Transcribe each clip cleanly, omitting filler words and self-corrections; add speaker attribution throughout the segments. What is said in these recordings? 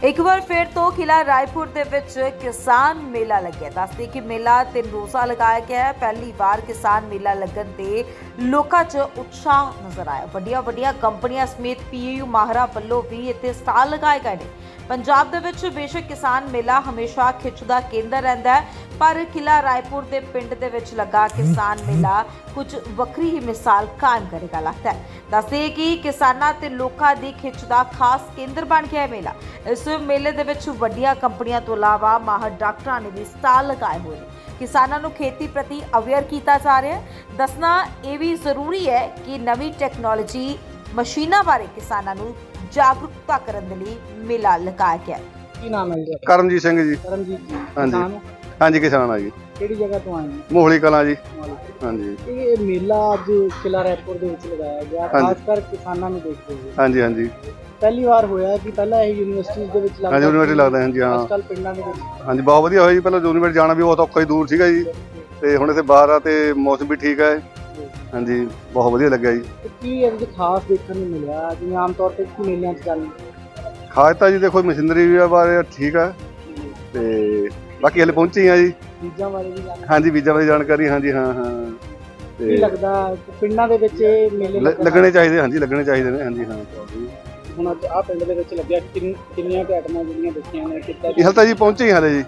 Speaker 1: ਇੱਕ ਵਾਰ ਫਿਰ ਤੋਂ ਕਿਲਾ ਰਾਏਪੁਰ ਦੇ ਵਿੱਚ ਕਿਸਾਨ ਮੇਲਾ ਲੱਗਿਆ। ਦੱਸਦੇ ਕਿ ਮੇਲਾ 3 ਰੋਜ਼ਾ ਲਗਾਇਆ ਗਿਆ ਹੈ। ਪਹਿਲੀ ਵਾਰ ਕਿਸਾਨ ਮੇਲਾ ਲੱਗਣ ਤੇ ਲੋਕਾਂ 'ਚ ਉਤਸ਼ਾਹ ਨਜ਼ਰ ਆਇਆ। ਵੱਡੀਆਂ ਕੰਪਨੀਆਂ ਸਮੇਤ ਪੀਯੂ ਮਾਹਰਾਂ ਵੱਲੋਂ ਵੀ ਇੱਥੇ ਸਟਾਲ ਲਗਾਏ ਗਏ ਨੇ। ਪੰਜਾਬ ਦੇ ਵਿੱਚ ਬੇਸ਼ੱਕ ਕਿਸਾਨ ਮੇਲਾ ਹਮੇਸ਼ਾ ਖਿੱਚ ਦਾ ਕੇਂਦਰ ਰਹਿੰਦਾ ਹੈ, ਪਰ ਕਿਲਾ ਰਾਏਪੁਰ ਦੇ ਪਿੰਡ ਦੇ ਵਿੱਚ ਲੱਗਾ ਕਿਸਾਨ ਮੇਲਾ ਕੁਝ ਵੱਖਰੀ ਹੀ ਮਿਸਾਲ ਕਾਇਮ ਕਰੇਗਾ ਲੱਗਦਾ ਹੈ। ਦੱਸਦੇ ਕਿ ਕਿਸਾਨਾਂ ਤੇ ਲੋਕਾਂ ਦੀ ਖਿੱਚ ਦਾ ਖਾਸ ਕੇਂਦਰ ਬਣ ਗਿਆ ਹੈ ਮੇਲਾ। ਇਸ ਮੇਲੇ ਦੇ ਵਿੱਚ ਵੱਡੀਆਂ ਕੰਪਨੀਆਂ ਤੋਂ ਇਲਾਵਾ ਮਾਹਰ ਡਾਕਟਰਾਂ ਨੇ ਵੀ ਸਟਾਲ ਲਗਾਏ ਹੋਏ ਨੇ। ਕਿਸਾਨਾਂ ਨੂੰ ਖੇਤੀ ਪ੍ਰਤੀ ਅਵੇਅਰ ਕੀਤਾ ਜਾ ਰਿਹਾ ਹੈ। ਦੱਸਣਾ ਇਹ ਵੀ ਜ਼ਰੂਰੀ ਹੈ ਕਿ ਨਵੀਂ ਟੈਕਨੋਲੋਜੀ ਮਸ਼ੀਨਾਂ ਬਾਰੇ ਕਿਸਾਨਾਂ ਨੂੰ ਜਾਗਰੂਕਤਾ ਕਰਨ ਦੇ ਲਈ ਮੇਲਾ ਲਗਾਇਆ ਗਿਆ।
Speaker 2: ਕੀ ਨਾਮ ਹੈ ਜੀ?
Speaker 3: ਕਰਮਜੀਤ ਸਿੰਘ ਜੀ।
Speaker 2: ਕਰਮਜੀਤ ਜੀ।
Speaker 3: ਹਾਂਜੀ।
Speaker 2: ਕਿਸਾਨ ਹੋ?
Speaker 3: ਹਾਂਜੀ ਕਿਸਾਨ ਆ ਜੀ।
Speaker 2: ਕਿਹੜੀ ਜਗ੍ਹਾ ਤੋਂ ਆਏ ਹੋ?
Speaker 3: ਮੋਹਲੀ ਕਲਾਂ ਜੀ। ਹਾਂਜੀ।
Speaker 2: ਇਹ ਮੇਲਾ ਅੱਜ ਕਿਲਾ ਰਾਏਪੁਰ ਦੇ ਵਿੱਚ ਲਗਾਇਆ ਗਿਆ, ਖਾਸ ਕਰ ਕਿਸਾਨਾਂ ਨੂੰ ਦੇਖਦੇ ਹੋਏ।
Speaker 3: ਹਾਂਜੀ ਹਾਂਜੀ
Speaker 2: ਪਹਿਲੀ ਵਾਰ ਹੋਇਆ ਕਿ ਪਹਿਲਾਂ ਇਹ ਯੂਨੀਵਰਸਿਟੀਜ਼ ਦੇ ਵਿੱਚ ਲੱਗਦਾ?
Speaker 3: ਹਾਂਜੀ ਯੂਨੀਵਰਸਿਟੀ ਲੱਗਦਾ। ਹਾਂਜੀ ਹਾਂ।
Speaker 2: ਅੱਜ ਕੱਲ ਪਿੰਡਾਂ ਦੇ ਵਿੱਚ।
Speaker 3: ਹਾਂਜੀ ਬਹੁਤ ਵਧੀਆ ਹੋਇਆ ਜੀ। ਪਹਿਲਾਂ ਯੂਨੀਵਰਸਿਟੀ ਜਾਣਾ ਵੀ ਬਹੁਤ ਔਖਾ ਹੀ ਦੂਰ ਸੀਗਾ ਜੀ, ਤੇ ਹੁਣ ਇੱਥੇ ਬਾਹਰ ਆ ਤੇ ਮੌਸਮ ਵੀ ਠੀਕ ਹੈ। ਹਾਂਜੀ ਬਹੁਤ ਵਧੀਆ ਲੱਗਿਆ ਜੀ।
Speaker 2: ਤੇ ਕੀ ਇਹਦੇ ਵਿੱਚ ਖਾਸ ਦੇਖਣ ਨੂੰ ਮਿਲਿਆ ਜਿਵੇਂ ਆਮ ਤੌਰ ਤੇ ਕੀ ਮੇਲਿਆਂ 'ਚ ਜਾਂਦੇ?
Speaker 3: ਖਾਸ ਤਾਂ ਜੀ ਦੇਖੋ ਮਸ਼ੀਨਰੀ ਵੀ ਬਾਰੇ ਠੀਕ ਹੈ, ਤੇ ਬਾਕੀ ਹਲੇ ਪਹੁੰਚੇ ਆ ਜੀ।
Speaker 2: ਚੀਜ਼ਾਂ ਬਾਰੇ ਵੀ ਜਾਣਦੇ?
Speaker 3: ਹਾਂਜੀ ਬੀਜਾਂ ਬਾਰੇ ਜਾਣਕਾਰੀ। ਹਾਂਜੀ ਹਾਂ ਹਾਂ।
Speaker 2: ਕੀ ਲੱਗਦਾ ਪਿੰਡਾਂ ਦੇ ਵਿੱਚ ਇਹ ਮੇਲੇ
Speaker 3: ਲੱਗਣੇ ਚਾਹੀਦੇ? ਹਾਂਜੀ ਲੱਗਣੇ ਚਾਹੀਦੇ ਨੇ। ਹਾਂਜੀ ਹਾਂ।
Speaker 2: ਹੁਣ ਅੱਜ ਆਹ ਪਿੰਡ ਦੇ ਵਿੱਚ ਲੱਗਿਆ, ਕਿੰਨੀਆਂ ਕੁ ਆਈਟਮਾਂ ਜਿਹੜੀਆਂ ਦੇਖੀਆਂ ਨੇ ਕਿੱਦਾਂ?
Speaker 3: ਇਹ ਹਲ ਤਾਂ ਜੀ ਪਹੁੰਚੇ ਹੀ ਹਲੇ ਜੀ।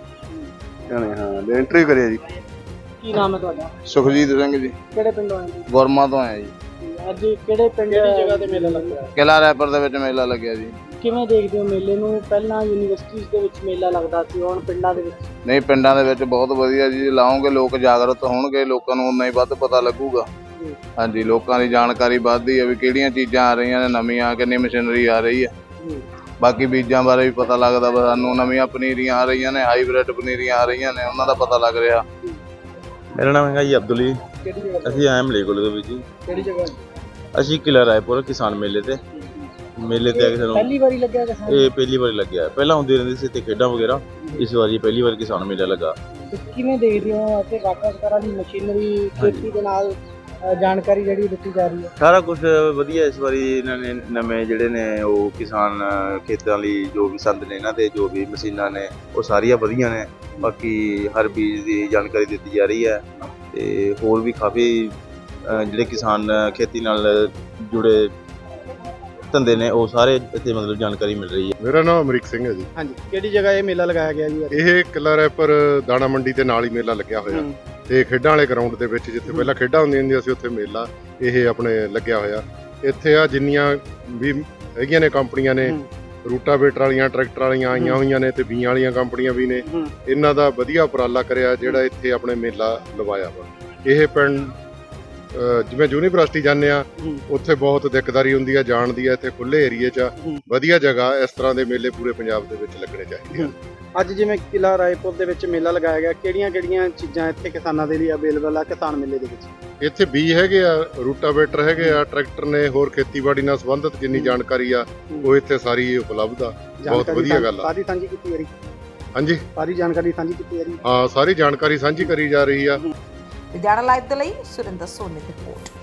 Speaker 3: ਹਾਂ ਇੰਟਰਵਿਊ ਕਰਿਆ ਜੀ।
Speaker 2: ਕੀ ਨਾਮ ਹੈ ਤੁਹਾਡਾ?
Speaker 4: ਸੁਖਜੀਤ ਸਿੰਘ ਜੀ।
Speaker 2: ਕਿਹੜੇ ਪਿੰਡੋਂ ਆਏ ਜੀ?
Speaker 4: ਗੁਰਮਾ ਤੋਂ ਆਇਆ ਜੀ।
Speaker 2: ਅੱਜ ਕਿਹੜੇ ਪਿੰਡ ਕਿਹੜੀ ਜਗ੍ਹਾ ਤੇ ਮੇਲਾ ਲੱਗਿਆ?
Speaker 4: ਕਿਲਾ ਰਾਏਪੁਰ ਦੇ ਵਿੱਚ ਮੇਲਾ ਲੱਗਿਆ ਜੀ।
Speaker 2: ਕਿਵੇਂ ਦੇਖਦੇ ਹੋ ਮੇਲੇ ਨੂੰ? ਪਹਿਲਾਂ ਯੂਨੀਵਰਸਿਟੀਜ਼ ਦੇ ਵਿੱਚ ਮੇਲਾ ਲੱਗਦਾ ਸੀ, ਹੁਣ ਪਿੰਡਾਂ ਦੇ ਵਿੱਚ।
Speaker 4: ਨਹੀਂ ਪਿੰਡਾਂ ਦੇ ਵਿੱਚ ਬਹੁਤ ਵਧੀਆ ਜੀ। ਲਾਉਂਗੇ ਲੋਕ ਜਾਗਰੂਕ ਹੋਣਗੇ, ਲੋਕਾਂ ਨੂੰ ਉਨਾ ਹੀ ਵੱਧ ਪਤਾ ਲੱਗੂਗਾ। ਹਾਂਜੀ ਲੋਕਾਂ ਦੀ ਜਾਣਕਾਰੀ ਵੱਧਦੀ ਹੈ ਵੀ ਕਿਹੜੀਆਂ ਚੀਜ਼ਾਂ ਆ ਰਹੀਆਂ ਨੇ ਨਵੀਆਂ, ਕਿੰਨੀ ਮਸ਼ੀਨਰੀ ਆ ਰਹੀ ਹੈ। ਬਾਕੀ ਬੀਜਾਂ ਬਾਰੇ ਵੀ ਪਤਾ ਲੱਗਦਾ ਵਾ ਸਾਨੂੰ, ਨਵੀਆਂ ਪਨੀਰੀਆਂ ਆ ਰਹੀਆਂ ਨੇ, ਹਾਈਬ੍ਰਿਡ ਪਨੀਰੀਆਂ ਆ ਰਹੀਆਂ ਨੇ, ਉਹਨਾਂ ਦਾ ਪਤਾ ਲੱਗ ਰਿਹਾ।
Speaker 5: ਮੇਰਾ ਨਾਮ ਹੈਗਾ ਜੀ ਅਬਦੁਲ ਜੀ।
Speaker 2: ਕਿਹੜੀ ਜਗ੍ਹਾ?
Speaker 5: ਅਸੀਂ ਆਏ ਮਲੇਕੋਲ ਦੇ ਵਿੱਚ ਜੀ।
Speaker 2: ਕਿਹੜੀ ਜਗ੍ਹਾ?
Speaker 5: ਅਸੀਂ ਕਿਲਾ ਰਾਏਪੁਰ ਕਿਸਾਨ ਮੇਲੇ ਤੇ ਆ ਕੇ ਸਾਨੂੰ
Speaker 2: ਪਹਿਲੀ ਵਾਰੀ ਲੱਗਿਆ ਕਿਸਾਨ?
Speaker 5: ਇਹ ਪਹਿਲੀ ਵਾਰੀ ਲੱਗਿਆ। ਪਹਿਲਾਂ ਹੁੰਦੀ ਰਹਿੰਦੀ ਸੀ ਤੇ ਖੇਡਾਂ ਵਗੈਰਾ, ਇਸ ਵਾਰੀ ਪਹਿਲੀ ਵਾਰ ਕਿਸਾਨ ਮੇਲਾ ਲੱਗਾ।
Speaker 2: ਤੇ ਕਿਵੇਂ ਦੇਖਦੇ ਹੋ ਅਤੇ ਵੱਖ-ਵੱਖ ਤਰ੍ਹਾਂ ਦੀ ਮਸ਼ੀਨਰੀ ਖੇਤੀ ਦੇ ਨਾਲ ਜਾਣਕਾਰੀ ਜਿਹੜੀ ਦਿੱਤੀ ਜਾ ਰਹੀ ਹੈ?
Speaker 5: ਸਾਰਾ ਕੁਝ ਵਧੀਆ ਇਸ ਵਾਰੀ। ਇਹਨਾਂ ਨੇ ਨਵੇਂ ਜਿਹੜੇ ਨੇ ਉਹ ਕਿਸਾਨ ਖੇਤਾਂ ਲਈ ਜੋ ਵੀ ਸੰਦ ਨੇ ਇਹਨਾਂ ਦੇ, ਜੋ ਵੀ ਮਸ਼ੀਨਾਂ ਨੇ ਉਹ ਸਾਰੀਆਂ ਵਧੀਆ ਨੇ। ਬਾਕੀ ਹਰ ਬੀਜ ਦੀ ਜਾਣਕਾਰੀ ਦਿੱਤੀ ਜਾ ਰਹੀ ਹੈ, ਤੇ ਹੋਰ ਵੀ ਕਾਫੀ ਜਿਹੜੇ ਕਿਸਾਨ ਖੇਤੀ ਨਾਲ ਜੁੜੇ ਧੰਦੇ ਨੇ ਉਹ ਸਾਰੇ ਇੱਥੇ ਮਤਲਬ ਜਾਣਕਾਰੀ ਮਿਲ ਰਹੀ ਹੈ।
Speaker 6: ਮੇਰਾ ਨਾਮ ਅਮਰੀਕ ਸਿੰਘ ਹੈ ਜੀ।
Speaker 2: ਹਾਂਜੀ। ਕਿਹੜੀ ਜਗ੍ਹਾ ਇਹ ਮੇਲਾ ਲਗਾਇਆ ਗਿਆ ਜੀ?
Speaker 6: ਇਹ ਕਿਲਾ ਰਾਏਪੁਰ ਦਾਣਾ ਮੰਡੀ ਦੇ ਨਾਲ ਹੀ ਮੇਲਾ ਲੱਗਿਆ ਹੋਇਆ, ਤੇ ਖੇਡਾਂ ਵਾਲੇ ਗਰਾਊਂਡ ਦੇ ਵਿੱਚ ਜਿੱਥੇ ਪਹਿਲਾਂ ਖੇਡਾਂ ਹੁੰਦੀਆਂ ਸੀ ਉੱਥੇ ਮੇਲਾ ਇਹ ਆਪਣੇ ਲੱਗਿਆ ਹੋਇਆ। ਇੱਥੇ ਆ ਜਿੰਨੀਆਂ ਵੀ ਹੈਗੀਆਂ ਨੇ ਕੰਪਨੀਆਂ ਨੇ, ਰੂਟਾਵੇਟਰ ਵਾਲੀਆਂ, ਟਰੈਕਟਰ ਵਾਲੀਆਂ ਆਈਆਂ ਹੋਈਆਂ ਨੇ, ਤੇ ਬੀਆਂ ਵਾਲੀਆਂ ਕੰਪਨੀਆਂ ਵੀ ਨੇ। ਇਹਨਾਂ ਦਾ ਵਧੀਆ ਉਪਰਾਲਾ ਕਰਿਆ ਜਿਹੜਾ ਇੱਥੇ ਆਪਣੇ ਮੇਲਾ ਲਵਾਇਆ ਵਾ। ਇਹ ਪਿੰਡ ਜਿਵੇਂ ਯੂਨੀਵਰਸਿਟੀ ਜਾਂਦੇ ਆ ਉੱਥੇ ਬਹੁਤ ਦਿੱਕਦਾਰੀ ਹੁੰਦੀ ਆ ਜਾਣ ਦੀ ਆ, ਇੱਥੇ ਖੁੱਲੇ ਏਰੀਏ 'ਚ ਵਧੀਆ ਜਗ੍ਹਾ। ਇਸ ਤਰ੍ਹਾਂ ਦੇ ਮੇਲੇ ਪੂਰੇ ਪੰਜਾਬ ਦੇ ਵਿੱਚ ਲੱਗਣੇ ਚਾਹੀਦੇ ਆ।
Speaker 2: ਅੱਜ ਜਿਵੇਂ ਕਿਲਾ ਰਾਏਪੁਰ ਦੇ ਵਿੱਚ ਮੇਲਾ ਲਗਾਇਆ ਗਿਆ, ਕਿਹੜੀਆਂ ਚੀਜ਼ਾਂ ਇੱਥੇ ਕਿਸਾਨਾਂ ਦੇ ਲਈ ਅਵੇਲੇਬਲ ਆ ਕਿਸਾਨ ਮੇਲੇ ਦੇ ਵਿੱਚ?
Speaker 6: ਇੱਥੇ ਬੀਜ ਹੈਗੇ ਆ, ਰੂਟਾਵੇਟਰ ਹੈਗੇ ਆ, ਟਰੈਕਟਰ ਨੇ, ਹੋਰ ਖੇਤੀਬਾੜੀ ਨਾਲ ਸੰਬੰਧਿਤ ਜਿੰਨੀ ਜਾਣਕਾਰੀ ਆ ਉਹ ਇੱਥੇ ਸਾਰੀ ਉਪਲਬਧ ਆ। ਬਹੁਤ ਵਧੀਆ ਗੱਲ ਆ।
Speaker 2: ਸਾਰੀ ਸਾਂਝੀ ਕੀਤੀ ਜਾ ਰਹੀ?
Speaker 6: ਹਾਂਜੀ
Speaker 2: ਸਾਰੀ ਜਾਣਕਾਰੀ ਸਾਂਝੀ ਕੀਤੀ ਜਾ ਰਹੀ?
Speaker 6: ਹਾਂ ਸਾਰੀ ਜਾਣਕਾਰੀ ਸਾਂਝੀ ਕਰੀ ਜਾ ਰਹੀ ਆ।
Speaker 1: ਲੁਧਿਆਣਾ ਲਾਈਵ ਦੇ ਲਈ ਸੁਰਿੰਦਰ ਸੋਨੀ ਦੀ ਰਿਪੋਰਟ।